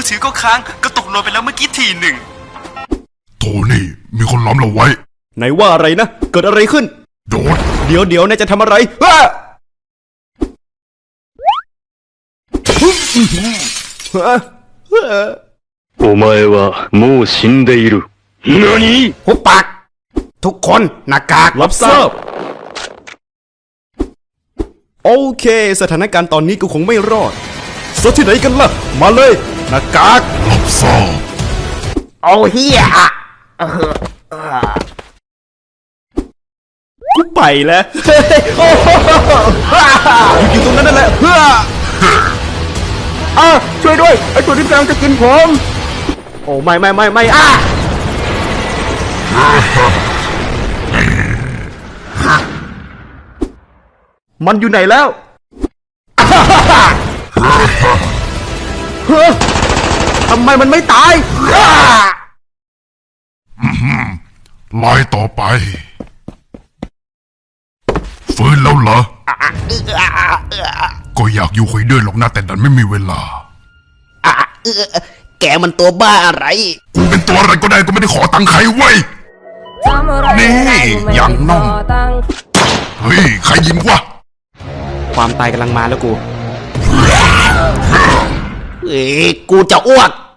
ถือก็ค้างก็ตกลงไปแล้วเมื่อกี้ทีหนึ่งโทนี่มีคนล้อมเราไว้ไหนว่าอะไรนะเกิดอะไรขึ้นโดดเดี๋ยวนายจะทำอะไรお前はもう死んでいる。何？ หุบปากทุกคนหน้ากากรับทราบโอเคสถานการณ์ตอนนี้กูคงไม่รอดซะที่ไหนกันล่ะมาเลยหน้ากากรับทราบเอาเฮียกูไปแล้วอยู่ตรงนั้นนั่นแหละช่วยด้วยไอ้ตัวที่กำลังจะกินผมโอ้ไม่มันอยู่ไหนแล้วทำไมมันไม่ตายไล่ต่อไปฟื้นแล้วเหรอก็อยากอยู่คุยด้วยหรอกนะแต่ดันไม่มีเวลาแกมันตัวบ้าอะไรกูเป็นตัวอะไรก็ได้ก็ไม่ได้ขอตังค์ใครไว้นี่อย่างน่องเฮ้ยใครยิงวะความตายกำลังมาแล้วกูกูจะอ้วก